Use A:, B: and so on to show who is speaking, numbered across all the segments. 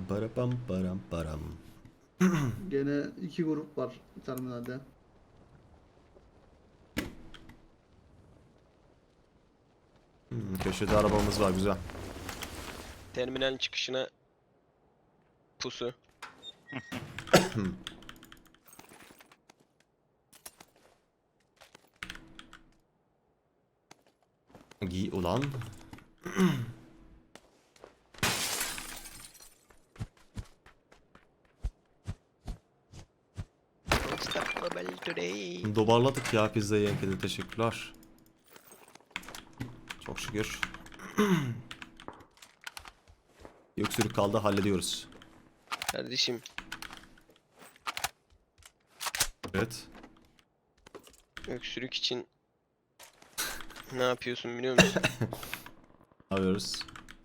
A: Para pam param param.
B: Gene iki grup var terminalde.
A: Köşede arabamız var, güzel.
C: Terminalin çıkışına pusu.
A: Giy ulan.
C: Unstoppable today.
A: Dobarladık ya pizzayı yenkede, teşekkürler. Çok şükür. Öksürük kaldı, hallediyoruz.
C: Kardeşim
A: Evet.
C: öksürük için ne yapıyorsun biliyor musun?
A: Ne yapıyoruz?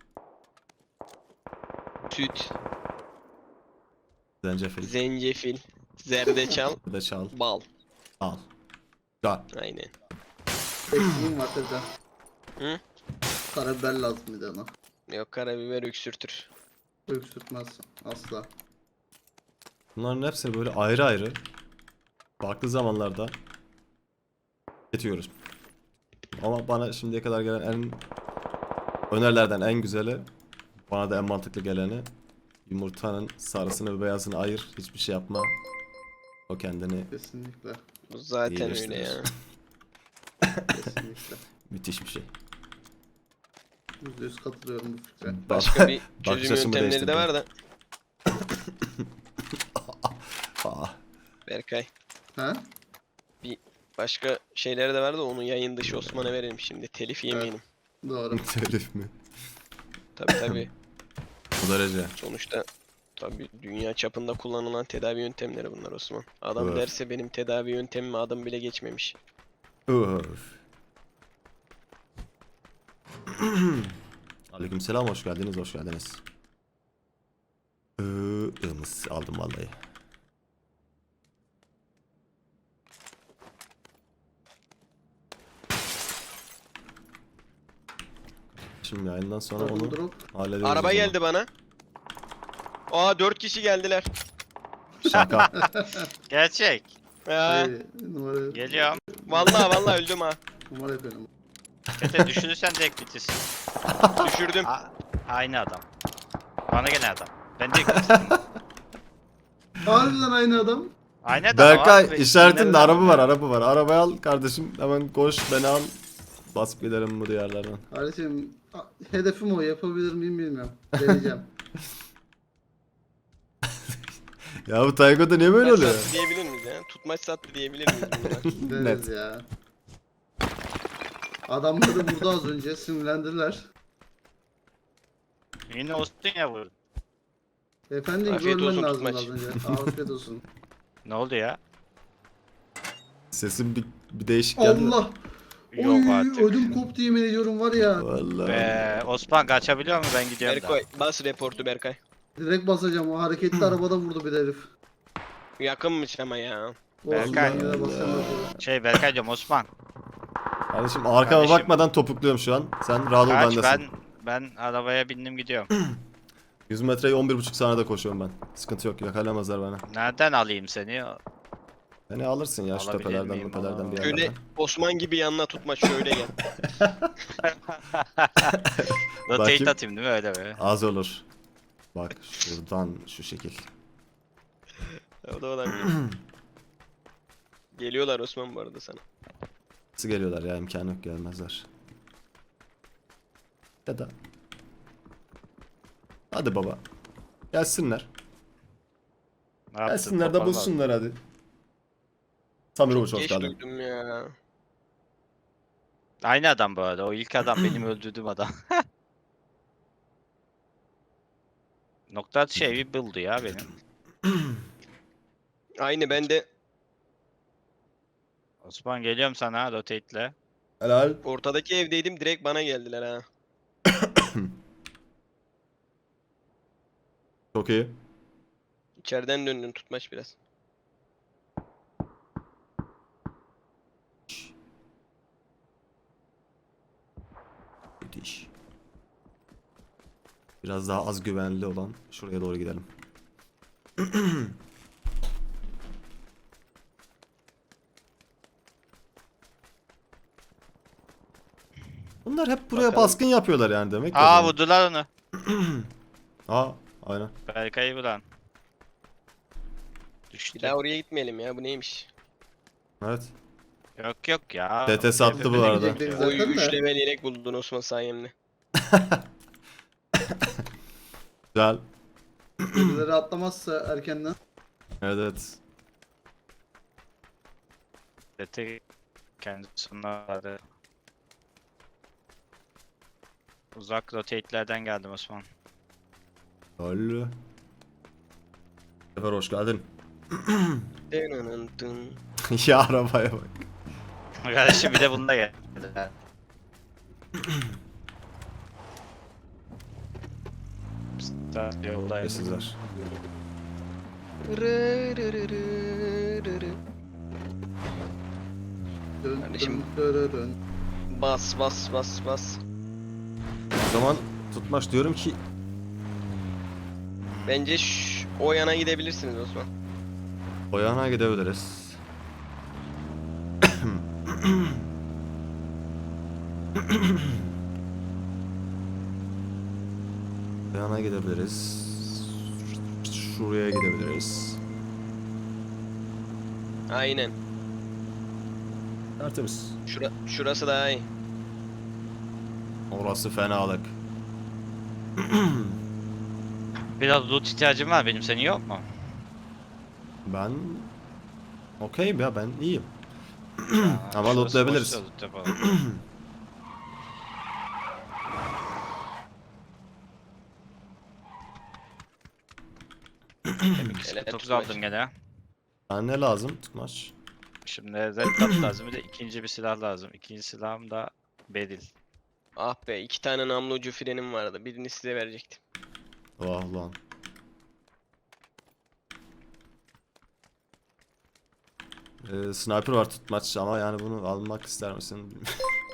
C: Süt,
A: Zencefil.
C: zencefil, zerdeçal,
A: Bir de çal.
C: bal.
A: Al. Güzel.
C: Aynen.
B: Eksiğim var teyze.
C: Hı?
B: Karabiber lazım bir de ona.
C: Yok, karabiber öksürtür.
B: Öksürtmez asla.
A: Bunların hepsini böyle ayrı ayrı farklı zamanlarda tüketiyoruz. Ama bana şimdiye kadar gelen en önerilerden en güzeli, bana da en mantıklı geleni, yumurtanın sarısını ve beyazını ayır, hiçbir şey yapma. O kendini
B: Kesinlikle.
C: Bu zaten öyle
A: İyileştirir.
C: ya.
B: Kesinlikle.
A: müthiş bir şey.
B: %100 katılıyorum bu fikre.
C: Başka bir
A: Bakış
C: çözüm
A: açımı
C: yöntemleri de
A: değiştirdi.
C: var da.
A: Aa,
C: Berkay.
B: Ha?
C: Başka şeyleri de var da onu yayın dışı Osman'a verelim şimdi. Telif yemeyelim.
B: Doğru.
A: telif mi?
C: Tabii tabii.
A: Bu derece.
C: Sonuçta tabii dünya çapında kullanılan tedavi yöntemleri bunlar Osman. Adam
A: Evet.
C: derse benim tedavi yöntemime adım bile geçmemiş.
A: Öf. Aleykümselam, hoş geldiniz, hoş geldiniz. Ilmız aldım vallahi. Şimdi yayından sonra
B: Double
A: onu
B: drop.
A: hallederiz. o
C: Araba
A: zaman.
C: geldi bana. Aa 4 kişi geldiler.
A: Şaka.
D: Gerçek.
C: Ya,
B: Hayır, numara,
D: Geliyorum.
C: vallahi öldüm ha.
B: numara yapıyorum.
D: Kete düşünürsen direkt bitirsin.
C: Düşürdüm.
D: Aynı adam. Bana gelen adam. Ben direkt bitirdim.
B: Harbiden aynı adam.
D: Aynı adam
A: Berkay
D: abi.
A: işaretinde
D: Nereden
A: araba var,
D: bakıyor?
A: araba var. Arabayı al kardeşim, hemen koş, beni al. Basıp gidelim bu diyarlardan.
B: Kardeşim hedefim o, yapabilir miyim bilmiyorum. Deneyeceğim.
A: Ya bu Taygo'da niye böyle
C: Tutmaç
A: oluyor?
C: sattı diyebilir miyiz ya? Tutmaç sattı diyebilir miyiz bunlar?
B: Deriz
A: Net.
B: ya. Adamları burada az önce sinirlendiler.
D: Yine olsun ya bu.
B: Efendim
C: Afiyet
B: görmen
C: olsun,
B: lazım
C: tutmaç.
B: az önce. Afiyet olsun.
D: Ne oldu ya?
A: Sesim bir değişik geldi.
B: Allah!
D: Yok
B: Oy,
D: artık.
B: ödüm koptu yemin ediyorum var ya.
A: Vallahi.
D: Osman kaçabiliyor mu? Ben gidiyorum da.
C: Berkay bas reportu Berkay.
B: Direkt basacağım. O hareketli arabada vurdu bir herif.
C: Yakınmış ama ya.
D: Berkay.
B: Olsun, ben yine basacağım.
D: Berkay diyorum Osman.
A: Kardeşim arkama
D: Kardeşim.
A: bakmadan topukluyorum şu an. Sen rahat ol,
D: Kaç
A: bendesin.
D: ben arabaya bindim gidiyorum.
A: 100 metreyi 11,5 saniyede koşuyorum ben. Sıkıntı yok, yakalamazlar bana.
D: Nereden alayım seni?
A: Beni alırsın ya şu
D: Alabilir
A: tepelerden,
D: miyim?
A: tepelerden bir
D: Aa.
C: Şöyle
A: yerlerden.
C: Osman gibi yanına tutmaç şöyle gel.
A: Bakayım.
D: Rotate atayım değil mi öyle böyle?
A: Az olur. Bak şuradan şu şekil.
C: O da olabilir. Geliyorlar Osman bu arada sana.
A: Nasıl geliyorlar ya, imkanı yok, gelmezler. Ya da. Hadi baba. Gelsinler.
D: Ne yaptın?
A: Gelsinler de
D: Toparlan.
A: bulsunlar hadi. Samir Uç, hoş
C: Geç
A: geldin.
C: duydum ya.
D: Aynı adam bu arada. O ilk adam benim öldürdüğüm adam. Nokta atışı evi buldu ya benim.
C: Aynı ben de
D: Osman geliyorum sana rotate'le.
A: Helal.
C: ortadaki evdeydim, direkt bana geldiler ha.
A: Çok iyi.
C: İçeriden döndün tutmaç biraz.
A: Müthiş. Biraz daha az güvenli olan şuraya doğru gidelim. Bunlar hep buraya
C: Bakalım.
A: baskın yapıyorlar yani demek.
D: Aa vurdular onu.
A: Aa aynen.
D: Berkay'ı vuran.
C: Bir
D: Düştü.
C: daha oraya gitmeyelim ya, bu neymiş?
A: Evet.
D: Yok ya.
A: TT sattı bu arada.
B: Gidecekleri
C: Oy
B: zaten
C: 3
B: de.
C: level yelek buldun Osman sayemle.
A: Güzel.
B: Birileri atlamazsa erkenden.
A: Evet evet.
D: TT kendisine vardı. Uzak rotate'lerden geldim Osman.
A: Öyle. Sefer hoş geldin.
C: Dınınıntın.
A: Ya arabaya bak.
D: Kardeşim bir de bunda geldi. Start yoldayız.
A: Sizler.
C: Rı rı rı rı rı rı.
B: Dön,
C: Kardeşim.
B: dön, dön, dön.
C: Bas bas bas bas.
A: O zaman tutmaç diyorum ki
C: Bence o yana gidebilirsiniz Osman.
A: o yana gidebiliriz. O yana gidebiliriz. Şuraya gidebiliriz.
C: Aynen.
A: Tertemiz.
C: Şurası daha iyi.
A: Orası fenalık.
D: Biraz loot ihtiyacım var benim, senin yok mu?
A: Ben okeyim ya, ben iyiyim.
D: Ha,
A: Ama
D: şurası
A: lootlayabiliriz.
D: boşsa loot yapalım.
C: Hele
D: 9
C: tutmaç.
D: aldım gene.
A: Ben ne lazım tutmaç?
D: Şimdi red dot lazım, bir de ikinci bir silah lazım. İkinci silahım da beril.
C: Ah be, 2 tane namlu ucu frenim vardı. Birini size verecektim.
A: Vah lan. Sniper var tutmaç ama yani bunu almak ister misin?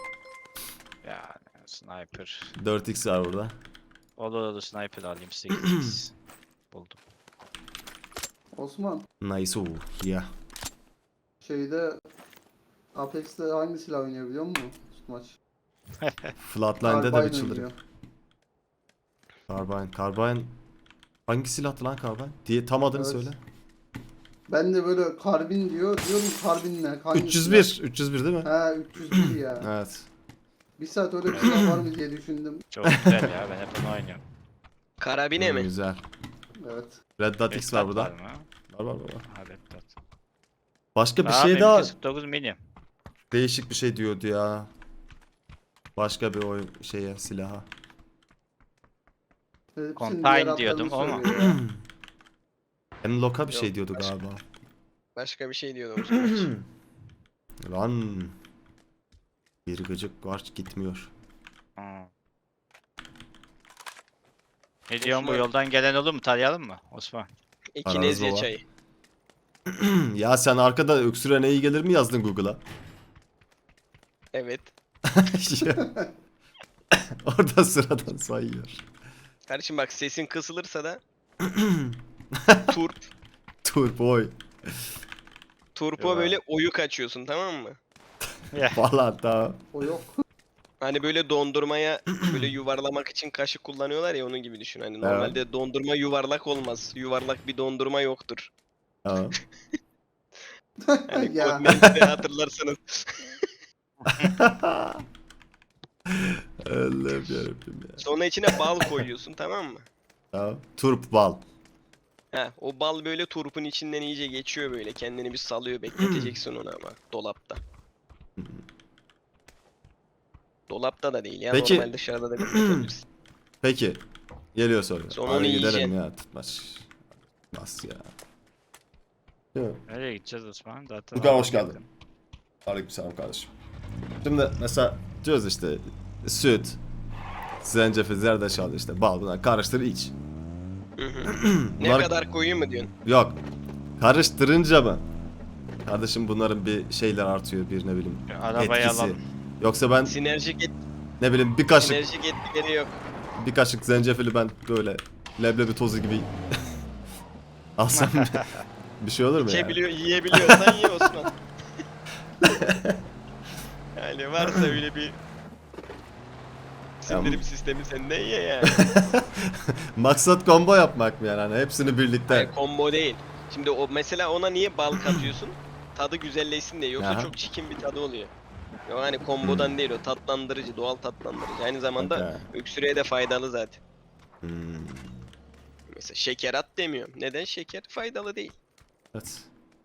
D: Yani sniper.
A: 4x var burada.
D: Olur sniper alayım, 8x. Buldum.
B: Osman
A: Nice. Yeah.
B: şeyde Apex'te hangi silah oynuyor biliyor musun? Tutmaç.
A: Flatline'de de bir
B: Carbine
A: çıldırıyor.
B: oynuyor.
A: Carbine. Carbine. Hangi silahtı lan Carbine? Diye tam adını
B: Evet.
A: söyle.
B: Ben de böyle karbin diyor. Diyorum karbin ne? Hangi
A: 301.
B: silah?
A: 301 değil mi?
B: He 301 ya.
A: Evet.
B: Bir saat öyle bir silah var mı diye düşündüm.
D: Çok güzel ya, ben hep onu oynuyorum.
C: Karabine mi?
A: Güzel.
B: Evet.
A: Red Dot X var
D: Red dot
A: burada.
D: mı?
A: Var.
D: Ha, red dot.
A: Başka bir
D: Aa,
A: şey
D: benimki
A: daha
D: 49 mini.
A: değişik bir şey diyordu ya. Başka bir oyun silaha.
B: Hepsinin
D: Combine
B: diğer adlarını
D: diyordum ama.
B: söylüyor ya.
A: Enlock'a bir şey
C: Yok,
A: diyordu
C: başka.
A: galiba.
C: Başka bir şey diyordum Osman.
A: Lan. Bir gıcık var gitmiyor.
D: Hmm. Ne diyorsun, bu
C: Osman.
D: yoldan gelen olur mu? Tarayalım mı Osman?
C: Ekinezya
A: baba.
C: çayı.
A: Ya sen arkada öksürene iyi gelir mi yazdın Google'a?
C: Evet.
A: Orada sıradan sayıyor.
C: Kardeşim bak, sesin kısılırsa da turp.
A: Turboy
C: Turpo
D: Yok
C: böyle oyuk açıyorsun, tamam mı?
A: falan da.
B: O yok.
C: Hani böyle dondurmaya böyle yuvarlamak için kaşık kullanıyorlar ya, onun gibi düşün. Hani normalde dondurma yuvarlak olmaz. Yuvarlak bir dondurma yoktur.
A: Ha.
C: Hani
B: Ya.
C: Codemans'te hatırlarsanız.
A: Allah'ım yarabbim ya.
C: Sonra içine bal koyuyorsun, tamam mı?
A: Ha. Turp bal.
C: Ha, o bal böyle turpun içinden iyice geçiyor böyle. Kendini bir salıyor, bekleteceksin onu ama dolapta. Dolapta da değil ya,
A: Peki.
C: normal dışarıda da bekletebilirsin.
A: Peki. Geliyor soru.
C: Sonra
A: Hadi
C: onu
A: gidelim
C: yiyeceksin.
A: ya tutmaç. Bas ya. Değil mi?
D: Nereye gideceğiz Osman? Zaten
A: Furkan, hoş geldin. Aleykümselam kardeşim. Şimdi mesela diyoruz işte süt, zencefil, zerdeçal, işte bal, bunlar karıştır iç.
C: Hı hı. Ne
A: Bunlar-
C: kadar koyayım mı diyorsun?
A: Yok. Karıştırınca mı? Kardeşim bunların bir şeyler artıyor, bir ne bileyim
D: Arabayı
A: etkisi.
D: alalım.
A: Yoksa ben
C: Sinerjik,
A: ne bileyim bir kaşık
C: sinerjik etkileri yok.
A: bir kaşık zencefili ben böyle leblebi tozu gibi alsam bir şey olur mu yani?
C: Yiyebiliyorsan ye Osman. Yani varsa öyle bir sindirim sistemi sende ye yani.
A: Maksat combo yapmak mı yani? Hani hepsini birlikte.
C: Hayır, combo değil. Şimdi o mesela ona niye bal katıyorsun? Tadı güzelleşsin diye. Yoksa
A: Aha.
C: çok çirkin bir tadı oluyor. Yok hani kombodan değil, o tatlandırıcı, doğal tatlandırıcı. Aynı zamanda
A: Okey.
C: öksürüğe de faydalı zaten.
A: Hmm,
C: Mesela şeker at demiyorum. Neden? Şeker faydalı değil.
A: evet.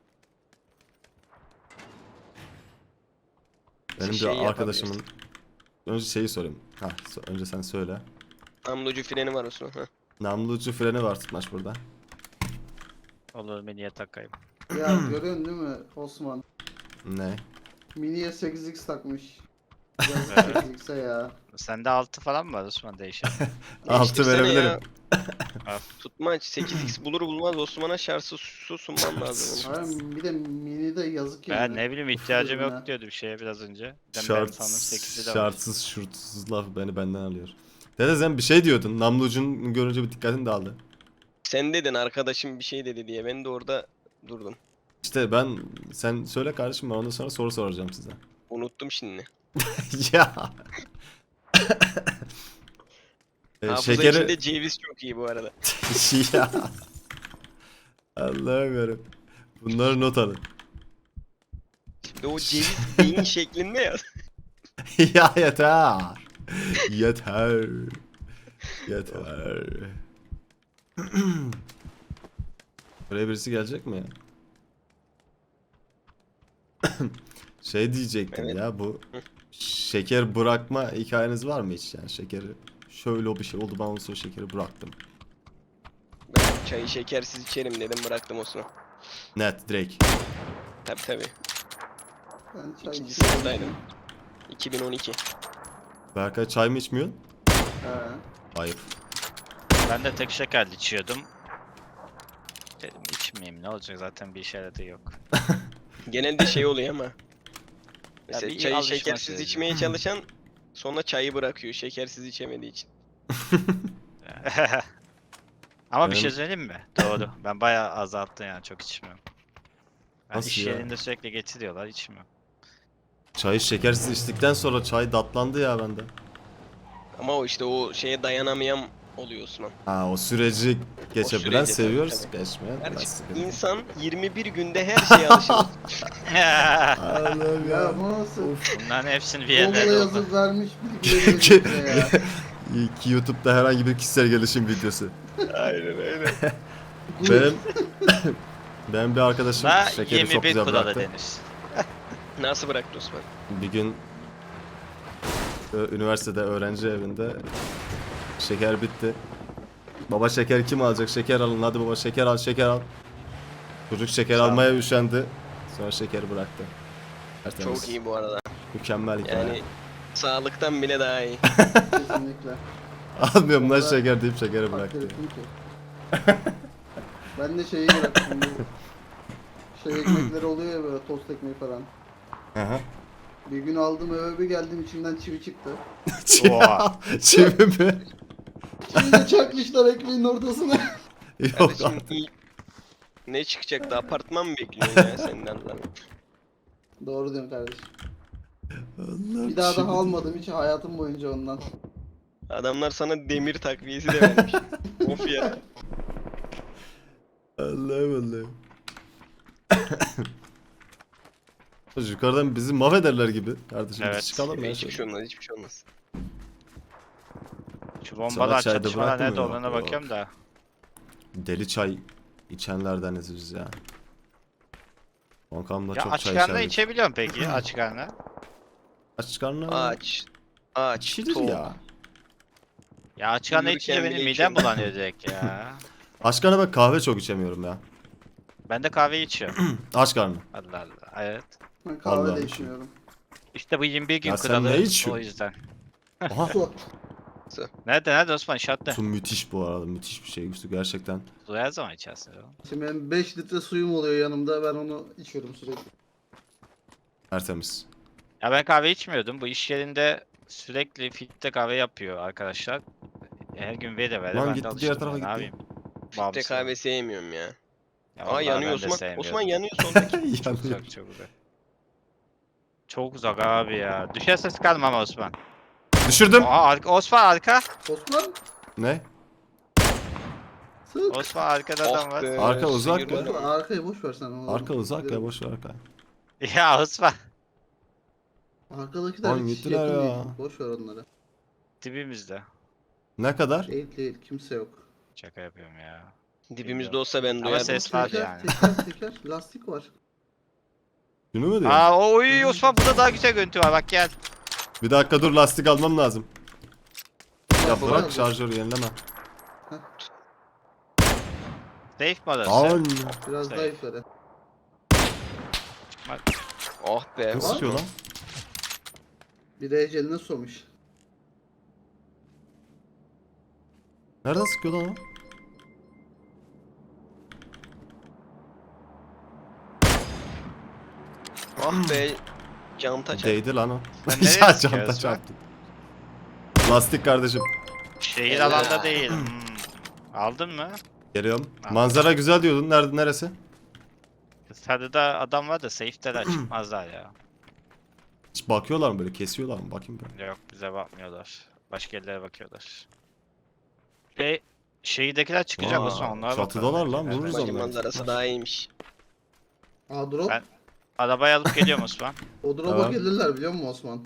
A: Benim
C: Şey
A: bir arkadaşımın
C: yapabilirsin.
A: önce şeyi sorayım. Ha, önce sen söyle.
C: Namlucu freni var Osman. Heh.
A: Namlucu freni var tutmaç burada.
D: Olur miniye takayım.
B: Ya görüyorsun değil mi Osman?
A: Ne?
B: Mini'ye 8x takmış. Yazık
D: Evet.
B: 8x'e ya.
D: Sende 6 falan mı var Osman değişen?
A: Altı
C: Değiştirsene
A: verebilirim.
C: ya.
D: Al.
C: Tutmaç 8x bulur bulmaz Osman'a şartsız su sunman lazım onu.
B: Hayır, bir de Mini'de yazık
D: Ben
B: yani.
D: ne bileyim
B: Sıfır
D: ihtiyacım
B: ürüne.
D: yok diyordu bir şeye biraz önce. Ben
A: Şart,
D: sandım 8'i de var.
A: şartsız şurtsuz laf beni benden alıyor. Dede sen bir şey diyordun. Namlucun görünce bir dikkatin dağıldı.
C: Sen dedin arkadaşım bir şey dedi diye. Ben de orada durdum.
A: İşte sen söyle kardeşim, ben ondan sonra soru soracağım size.
C: Unuttum şimdi.
A: Ya.
C: Hafıza
A: Şekeri...
C: içinde ceviz çok iyi bu arada.
A: Ya. Allah'ım yarabbim. Bunları not alın.
C: Şimdi o ceviz beyin şeklinde ya.
A: Ya yeter. Yeter. Yeter. Buraya birisi gelecek mi ya? Şey diyecektim
C: Evet.
A: ya, bu
C: Hı.
A: şeker bırakma hikayeniz var mı hiç yani? Şekeri şöyle bir şey oldu, ben ondan sonra şekeri bıraktım.
C: Ben çayı şekersiz içerim dedim, bıraktım Osman.
A: Net direkt.
C: Tabii.
B: Ben çay
C: İkinci
B: içiyorum.
C: sınıftaydım. 2012.
A: Berkay çay mı içmiyorsun?
B: He.
A: Ayıp.
D: Ben de tek şekerli içiyordum. Dedim içmeyeyim ne olacak zaten bir işareti yok.
C: Genelde şey oluyor ama. Mesela
D: bir
C: çayı
D: alışma
C: şekersiz
D: süreci.
C: içmeye çalışan sonra çayı bırakıyor şekersiz içemediği için.
D: Ama bir
A: Benim-
D: şey söyleyeyim mi? Doğru. Ben bayağı azalttım yani çok içmiyorum. Ben
A: Nasıl
D: iş
A: ya?
D: yerinde sürekli getiriyorlar içmiyorum.
A: Çayı şekersiz içtikten sonra çay tatlandı ya bende.
C: Ama o işte o şeye dayanamayan oluyor Osman.
A: Ha, o süreci geçebilen
C: süreci, tabii,
A: seviyoruz,
C: tabii.
A: geçmeyen biraz
C: Kardeşim,
A: sıkıntı.
C: insan 21 günde her şeye alışır.
A: Allah'ım
B: Ya bu nasıl?
D: Bunların hepsini bir
B: Google'a
D: yerlerde oldu.
B: yazıp vermiş bilgileri bize ya.
A: Ki YouTube'da herhangi bir kişisel gelişim videosu.
C: Aynen öyle.
A: Benim benim bir arkadaşım
D: Da
A: şekeri çok
D: 21
A: güzel
D: kuralı
A: bıraktı.
D: denir.
C: Nasıl bıraktı Osman?
A: Bir gün üniversitede öğrenci evinde şeker bitti. Baba şeker kim alacak? Şeker alın, hadi baba şeker al, şeker al. Çocuk şeker
D: Sağ ol.
A: almaya üşendi. Sonra şekeri bıraktı. Tertemiz.
C: Çok iyi bu arada.
A: Mükemmel hikaye.
C: Yani sağlıktan bile daha iyi.
B: Kesinlikle.
A: Almıyorum lan
B: Orada
A: şeker deyip şekeri
B: Takdir
A: bıraktı.
B: ettim ki. Ben de şeyi bıraktım bu. Şey ekmekleri oluyor ya böyle tost ekmeği falan.
A: Aha.
B: Bir gün aldım eve bir geldim içinden çivi çıktı.
D: Oha.
A: Çivi mi?
B: Çivi de çakmışlar ekmeğin ortasına.
A: Yok
C: Kardeşim
A: artık.
C: ne çıkacaktı? Apartman mı bekliyorsun ya senden lan?
B: Doğru diyorsun kardeşim.
A: Allah,
B: Bir daha
A: çivi
B: daha almadım hiç hayatım boyunca ondan.
C: Adamlar sana demir takviyesi de vermiş. Of ya.
A: Allah'ım. Yukarıdan bizi mahvederler gibi. Kardeşim
D: Evet.
A: biz çıkalım ya
C: Hiçbir
A: şöyle.
C: şey olmaz, hiçbir şey olmaz.
D: Şu bombalar
A: çayda
D: çatışmalar
A: bıraktın
D: nerede
A: mı?
D: olduğuna
A: Yok.
D: bakıyorum da.
A: Deli çay içenlerdeniz biz ya. Bankamda
D: Ya
A: çok
D: aç
A: çay
D: karnına
A: içerdik.
D: içebiliyorum peki aç karnına.
A: Aç karnına.
C: Ağaç. Ağaç.
A: İçilir
C: tohum.
A: ya.
D: Ya aç karnına
C: Uyurken
D: içince benim
C: bile
D: midem
C: içiyorum.
D: bulanıyor direkt ya.
A: Aç karnına ben kahve çok içemiyorum ya.
D: Ben de kahve içiyorum.
A: Aç karnına.
D: Allah Allah. Evet.
B: Ben kahve
A: Vallahi
B: de
A: bir şey.
B: içmiyorum.
D: İşte bu 21 gün
A: Ya sen
D: kuralı
A: ne içiyorsun?
D: o yüzden.
A: Aha.
B: Su.
D: Nerede Osman şartta?
A: Su müthiş bu arada. Müthiş bir şey. Su gerçekten.
D: Su her zaman içersin oğlum.
B: Şimdi benim 5 litre suyum oluyor yanımda ben onu içiyorum sürekli.
A: Tertemiz.
D: Ya ben kahve içmiyordum. Bu iş yerinde sürekli filtre kahve yapıyor arkadaşlar. Her gün vere vere
A: Lan
D: ben
A: gitti,
D: de alıştım.
A: diğer tarafa
D: ya, Ne
A: gitti.
D: yapayım?
C: Filtre
D: Bağımsız.
C: kahve sevmiyorum ya.
D: Ya
C: Aa
D: vallahi
C: yanıyor
D: ben de
C: Osman.
D: sevmiyorum.
C: Osman yanıyor soldaki.
D: Çok
A: Yanıyor.
D: uzak çok uzak. Çok uzak abi ya. Düşerse sıkalım ama Osman.
A: Düşürdüm.
D: Aa Osman arka.
B: Osman
A: Ne?
B: sık.
D: Osman arkada adam
C: Ah
D: var.
C: be,
A: Arka uzak
C: sıyırdı
A: ya.
B: Boş ver,
C: adamı.
B: arkayı boş ver sen. onu
A: Arka uzak ya,
B: gidelim.
A: boş ver arka.
D: Ya Osman.
B: Arkadakiler
A: Lan
B: hiç
A: gittiler
B: yakın
A: ya.
B: değil. Boş ver onları.
D: Dibimizde.
A: Ne kadar?
B: Değil kimse yok.
D: Şaka yapıyorum ya.
C: Dibimizde olsa ben
D: Ama
C: duyardım.
D: ses var
B: Teker,
D: yani.
B: teker lastik var.
A: Şunu mu diyorsun?
D: Aa oy Osman burada daha güzel görüntü var bak gel.
A: Bir dakika dur, lastik almam lazım. Ya
B: Lastik
A: bırak
B: al.
A: şarjörü, yenileme.
D: Safe mi orası?
A: Lan.
B: Biraz
D: Şey.
B: daha yukarı.
C: Oh be.
A: Ne
C: var
A: sıkıyor
C: mı?
A: lan?
B: Bir de eceline soğumuş.
A: Nereden sıkıyor lan o?
C: Ah be. Canta çarptı.
A: Değdi lan o.
D: Sen nereye
A: Ya
D: sıkıyorsun
A: camda
D: lan?
A: çarptı. Lastik kardeşim.
D: Şehir
C: Helal.
D: alanda değil. Aldın mı?
A: Geliyorum.
D: Aldım.
A: Manzara güzel diyordun. Neresi?
D: Sarıda adam var da safe'deler çıkmazlar ya.
A: Hiç bakıyorlar mı böyle? Kesiyorlar mı? Bakayım ben.
D: Yok bize bakmıyorlar. Başka yerlere bakıyorlar. Şehirdekiler çıkacak
A: Aa,
D: Osman onlara
A: çatıdalar
D: bakalım.
A: lan,
D: Evet,
A: vururuz
D: evet.
C: Bence
A: onları.
C: manzarası daha iyiymiş.
B: Aa drop.
D: Ben- Arabayı alıp geliyorum Osman.
B: O drop'a
A: Tamam.
B: gelirler biliyor musun Osman?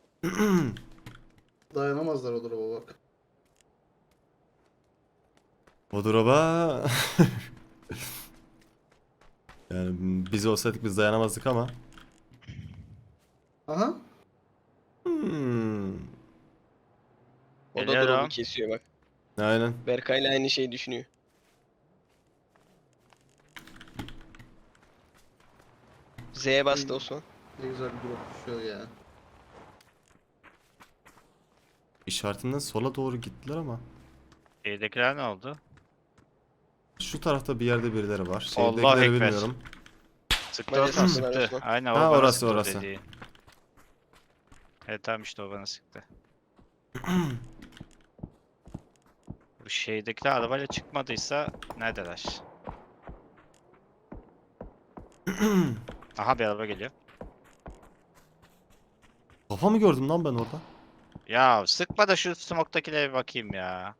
B: Dayanamazlar o drop'a bak.
A: O drop'a... Yani biz olsaydık biz dayanamazdık ama.
B: Aha.
A: Hmm.
C: O da
D: Geliyorum.
C: drop'u kesiyor bak.
A: Aynen.
C: Berkay'la aynı şeyi düşünüyor. Z'ye bastı Osman.
B: Ne güzel bir drop düşüyor ya.
A: İşaretinden sola doğru gittiler ama.
D: Şehirdekiler ne oldu?
A: Şu tarafta bir yerde birileri var.
D: Allah
A: Şehirdekileri
D: ekber.
A: bilmiyorum.
D: Sıktı
C: Bence
D: Osman
C: sıktılar
D: sıktı.
C: Osman.
D: Aynen
A: Ha,
D: o bana
A: orası,
D: sıktı
A: orası.
D: dediği. Evet tamam işte o bana sıktı. Bu şehirdekiler arabayla çıkmadıysa neredeler? Aha bir araba geliyor.
A: Kafa mı gördüm lan ben orada?
D: Ya sıkma da şu smoke'takilere bir bakayım ya.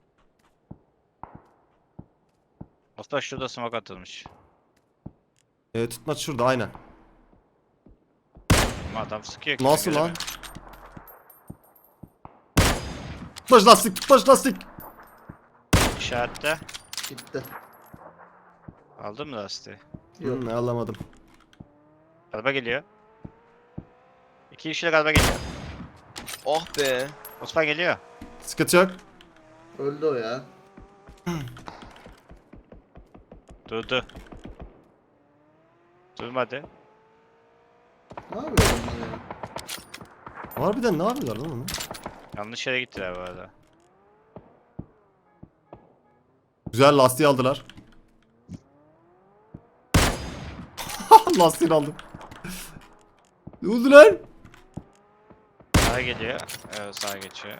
D: Osman şurada smoke atılmış.
A: Tutmaç şurada aynen.
D: Ama adam sıkıyor ki.
A: Nasıl lan?
D: göremiyorum.
A: Tutmaç lastik, tutmaç lastik.
D: İşaretle.
B: Gitti.
D: Aldın mı lastiği?
B: Yok.
A: Alamadım.
D: Araba geliyor. 2 kişilik araba geliyor.
C: Oh be.
D: Osman geliyor.
A: Sıkıntı yok.
B: Öldü o ya.
D: Durdu. Durmadı.
B: Ne yapıyor onlar ya?
A: Harbiden ne yapıyorlar lan onu?
D: Yanlış yere gittiler bu arada.
A: Güzel, lastiği aldılar. Lastiğini aldım. Ne oldu lan?
D: Sağa geliyor. Evet sağa geçiyor.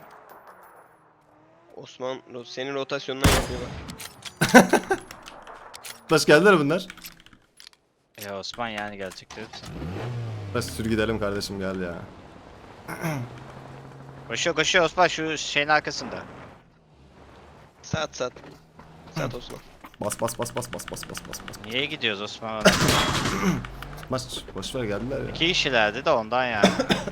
C: Osman senin rotasyonundan yapıyor bak.
A: Tutmaç geldiler bunlar.
D: Ya Osman yani gelecektir.
A: Tutmaç sür gidelim kardeşim, gel ya.
D: Koşuyor koşuyor Osman şu şeyin arkasında.
C: Sat sat. Sat Osman.
A: Bas bas bas bas bas bas bas bas bas.
D: Niye gidiyoruz Osman?
A: Tutmaç boşver, geldiler ya.
D: 2 kişilerdi de ondan yani.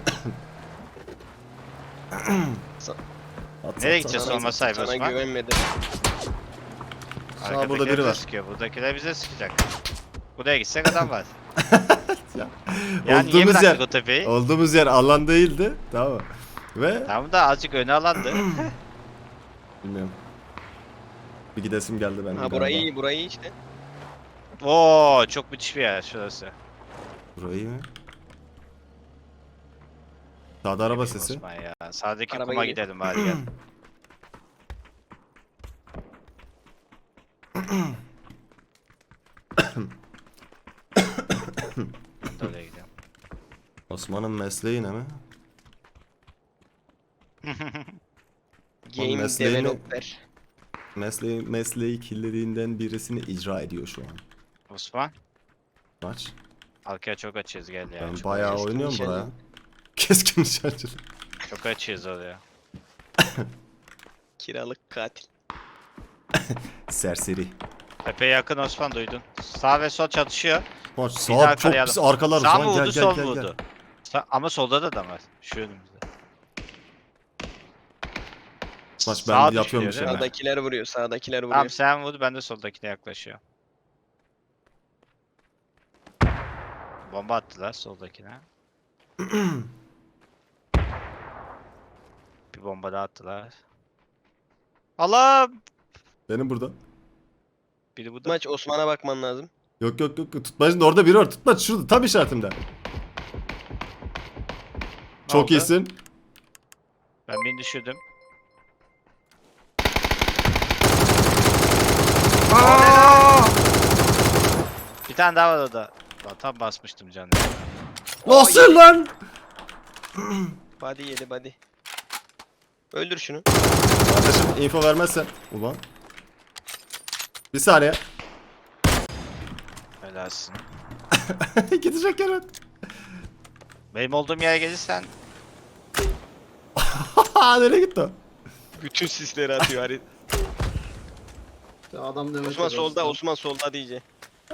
A: At,
D: Nereye
A: at,
D: gideceğiz
A: at.
D: olma sahibi
C: Sana
D: Osman?
C: güvenmedim.
A: Sağ, burada
D: Arkadakiler
A: biri
D: bize
A: var.
D: sıkıyor. Buradakiler bize sıkacak. Buraya gitsek adam var.
A: Ya.
D: Yani niye
A: Olduğumuz
D: bıraktık
A: yer,
D: o tepeyi?
A: olduğumuz yer alan değildi. Tamam mı? Ve
D: Tam da azıcık öne alandı.
A: bilmiyorum. Bir gidesim geldi ben.
C: Ha burayı iyi, burayı iyi işte.
D: Oo çok müthiş bir yer şurası.
A: Burayı mı? Sağda araba sesi.
D: Osman ya. Sağdaki
C: Araba
D: kuma
C: geliyor.
D: gidelim bari gel. Ben de oraya gidiyorum.
A: Osman'ın mesleği ne mi?
C: Game
A: mesleğini-
C: developer.
A: Mesleği kirliliğinden birisini icra ediyor şu an.
D: Osman.
A: Maç.
D: Arkaya çok açığız gel ya.
A: Ben
D: Çok,
A: bayağı
C: keskin
A: oynuyorum
C: nişancı.
A: buraya. Keskin nişancılık.
D: çok açığız oraya.
C: Kiralık katil.
A: Serseri.
D: Epey yakın Osman duydun. Sağ ve sol çatışıyor.
A: Maç
D: Bir
A: sağ
D: daha
A: çok
D: karayalım.
A: pis arkalarız
D: Sağ
A: lan,
D: mı
A: gel
D: vurdu
A: gel
D: sol
A: gel
D: mu
A: gel.
D: vurdu? Ama solda da adam var. Şu önümüzde.
A: Maç ben
D: Sağa
A: yapıyorum
D: düşüyor,
A: bir
D: değil
A: şey.
D: mi?
A: ben.
C: Sağdakiler vuruyor, sağdakiler vuruyor.
D: Tamam sen vur ben de soldakine yaklaşıyorum. Bomba attılar soldakine. Bir bomba daha attılar. Allah!
A: Benim burada.
D: Biri burada.
C: Maç Osman'a bakman lazım.
A: Yok yok yok. Tutmacın orada biri var. Tutmaç şurada tam işaretimde. Çok
D: oldu?
A: iyisin.
D: Ben birini düşürdüm. Bir tane daha var orada. Lan tam basmıştım canım.
A: Nasıl lan?
C: Body yedi body. Öldür şunu.
A: Kardeşim info vermezsen. Ulan. Bir saniye.
D: Helalsin.
A: Gidecek yere.
D: Benim olduğum yere gelirsen
A: Nereye gitti o?
C: Bütün sisleri atıyor Harit.
B: Ya adam demek
C: Osman
B: ki
C: solda,
B: dostum.
C: Osman solda diyece.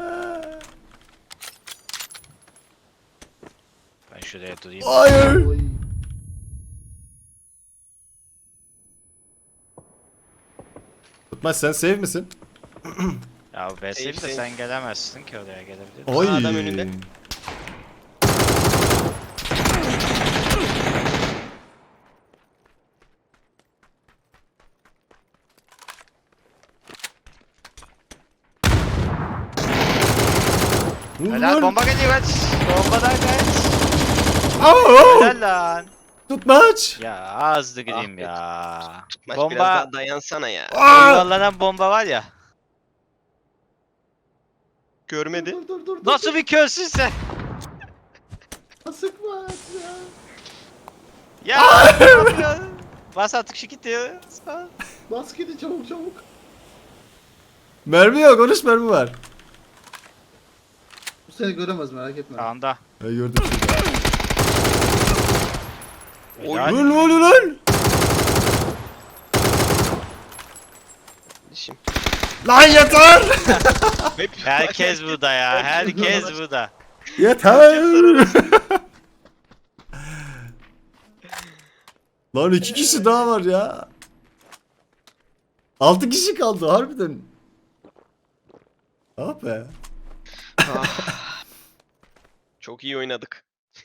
D: ben şuraya durayım.
A: Hayır.
B: Oy.
A: Tutmaç sen safe misin?
D: Ya BS'yi de
C: Safe.
D: sen gelemezsin ki oraya gelebilir.
A: Oy.
C: Adam önünde.
D: Helal bomba geliyor kaç. Bombadan kaç.
A: Aa!
D: Helal lan.
A: Tutmaç.
D: Ya azdı gideyim
C: Ahmet,
D: ya.
C: Maç biraz
D: Bomba.
C: daha dayansana ya.
A: Aa!
D: Yuvarlanan bomba var ya.
C: Görmedi.
B: Dur.
D: Nasıl bir körsün sen?
B: Sıkma ya.
D: Ya ne yapıyorsun? Bas artık şu gidiyor.
B: Bas gidi çabuk.
A: Mermi yok. 13 mermi var.
B: Bu seni göremez merak etme.
D: Sağında.
A: Ben gördüm.
D: Helal.
A: Lan lan lan.
C: Dişim.
A: Lan yeter.
D: Herkes burada ya. Herkes burada.
A: Yeter. Lan 2 kişi daha var ya. 6 kişi kaldı harbiden. Ah be.
C: Çok iyi oynadık.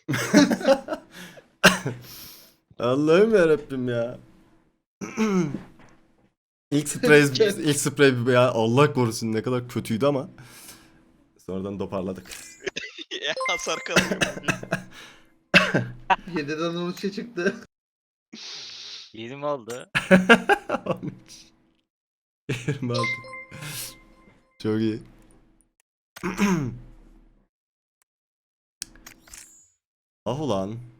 A: Allah'ım yarabbim ya. ilk sprey ya Allah korusun ne kadar kötüydü ama sonradan toparladık.
C: Hasar kalmıyor.
B: 7'den 13'e çıktı.
D: 20 oldu.
A: 26. Çok iyi. Ah ulan.